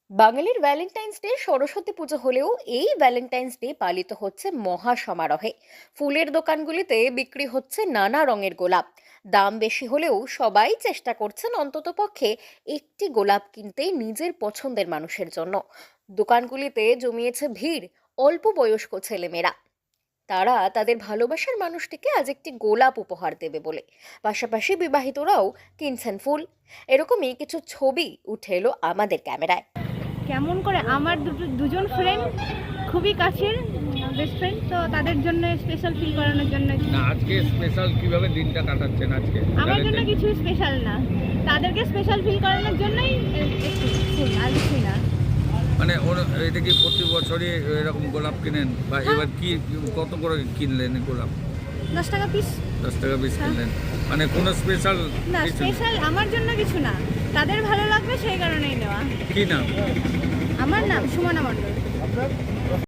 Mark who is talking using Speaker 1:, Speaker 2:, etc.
Speaker 1: বাঙালির Valentine's day Saraswati পুজো হলেও এই ভ্যালেন্টাইন্স ডে পালিত হচ্ছে মহা সমারোহে। ফুলের দোকানগুলিতে বিক্রি হচ্ছে নানা রঙের গোলাপ। দাম বেশি হলেও সবাই চেষ্টা করছেন অন্ততপক্ষে একটি গোলাপ কিনতে নিজের পছন্দের মানুষের জন্য। দোকানগুলিতে জমিয়েছে ভিড়, অল্প বয়স্ক ছেলেমেয়েরা। তারা তাদের ভালোবাসার মানুষটিকে আজ একটি গোলাপ উপহার দেবে বলে। পাশাপাশি বিবাহিতরাও কিনছেন ফুল। এরকমই কিছু ছবি উঠে এলো আমাদের ক্যামেরায়।
Speaker 2: কেমন করে আমার দুজন ফ্রেন্ড খুবই কাছের বেস্ট ফ্রেন্ড, তো তাদের জন্য স্পেশাল ফিল করানোর জন্য।
Speaker 3: না, আজকে স্পেশাল কিভাবে দিনটা কাটাচ্ছেন আজকে?
Speaker 2: আমার জন্য কিছু স্পেশাল না, তাদেরকে স্পেশাল ফিল করানোর জন্যই একটু ফুল, আর কিছুই না।
Speaker 3: মানে এটা কি প্রতি বছরই এরকম গোলাপ কিনেন বা এবার কি কত করে কিনলেন গোলাপ?
Speaker 2: 10 টাকা পিস।
Speaker 3: 10 টাকা পিস কিনলেন, মানে কোনো স্পেশাল
Speaker 2: না, স্পেশাল আমার জন্য কিছু না, তাদের ভালো লাগবে সেই কারণেই নেওয়া।
Speaker 3: কি নাম?
Speaker 2: আমার নাম সুমনা মণ্ডল।